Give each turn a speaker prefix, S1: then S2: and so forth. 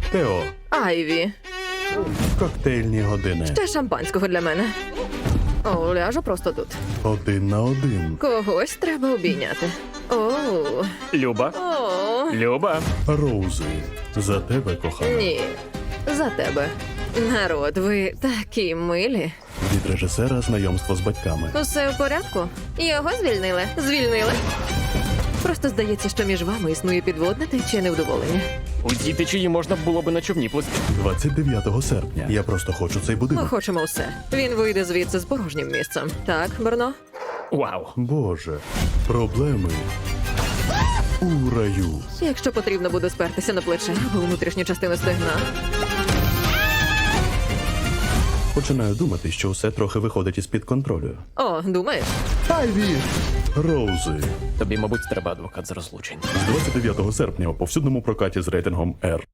S1: Тео,
S2: Айві.
S1: коктейльні години.
S2: Ще шампанського для мене. О, ляжу просто тут.
S1: 1 на 1.
S2: Когось треба обійняти. О,
S3: Люба.
S2: о,
S3: Люба.
S1: Роузи, за тебе, кохана.
S2: ні. За тебе. Народ, ви такі милі.
S1: Від режисера знайомство з батьками.
S2: Усе в порядку? Його звільнили. Звільнили. Просто здається, що між вами існує підводне тече невдоволення.
S3: У цій течії можна було би на човні плисти.
S1: 29 серпня. Я просто хочу цей
S2: Ми
S1: будинок.
S2: хочемо все. Він вийде звідси з порожнім місцем. Так, Берно?
S3: Вау.
S1: Боже, проблеми у раю.
S2: Якщо потрібно буде спертися на плече або внутрішню частину стегна.
S1: Починаю думати, що все трохи виходить із-під контролю.
S2: О, думаєш?
S1: Айві! Роузи.
S3: Тобі, мабуть, треба адвокат з розлучень.
S1: З 29 серпня у повсюдному прокаті з рейтингом R.